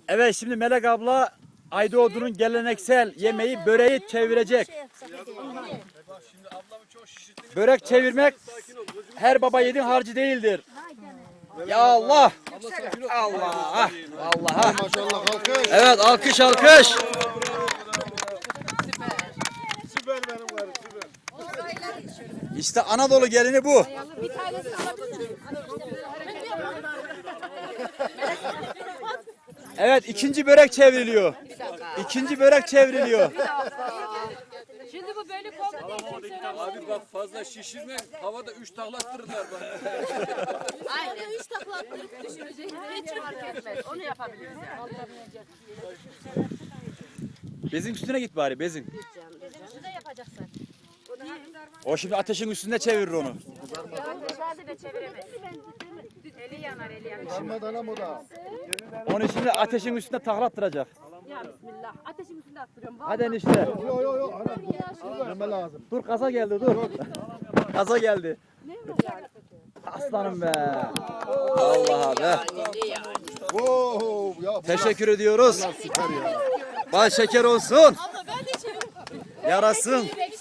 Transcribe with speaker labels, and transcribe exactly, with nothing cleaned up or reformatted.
Speaker 1: Evet, şimdi Melek abla Aydoğdu'nun geleneksel yemeği böreği çevirecek. Börek çevirmek her baba yiğidin harcı değildir. Ya Allah! Allah! Allah'a!
Speaker 2: Maşallah alkış.
Speaker 1: Evet, alkış alkış.
Speaker 2: Süper benim karım süper.
Speaker 1: İşte Anadolu gelini bu.
Speaker 3: Bir tanesini alabilir miyim?
Speaker 1: Evet, ikinci börek çevriliyor. İkinci börek çevriliyor.
Speaker 3: Şimdi bu böyle komple değil.
Speaker 4: Abi bak fazla şişirme. Havada üç taklattırırlar bana.
Speaker 3: Aynen. Üç takla attırıp düşürecek. Hiç fark etmez. Onu yapabiliriz yani.
Speaker 1: Bezin üstüne git bari, bezin.
Speaker 3: Şunu da yapacaksın.
Speaker 1: O şimdi ateşin üstünde çevirir onu.
Speaker 3: Dışarıda da çeviremez. Eli yanar, eli yanar.
Speaker 2: Darmadana moda.
Speaker 1: Onu şimdi ateşin üstünde taklattıracak.
Speaker 3: Ya bismillah. Ateşin üstünde attırıyorum.
Speaker 1: Hadi enişte.
Speaker 2: Yo yo yo. Anam dur. Verme lazım.
Speaker 1: Dur, kaza geldi, dur. Kaza geldi. Aslanım be. Allah'a be.
Speaker 2: Wow ya.
Speaker 1: Teşekkür ediyoruz.
Speaker 2: Süper ya.
Speaker 1: Bal şeker olsun. Yarasın.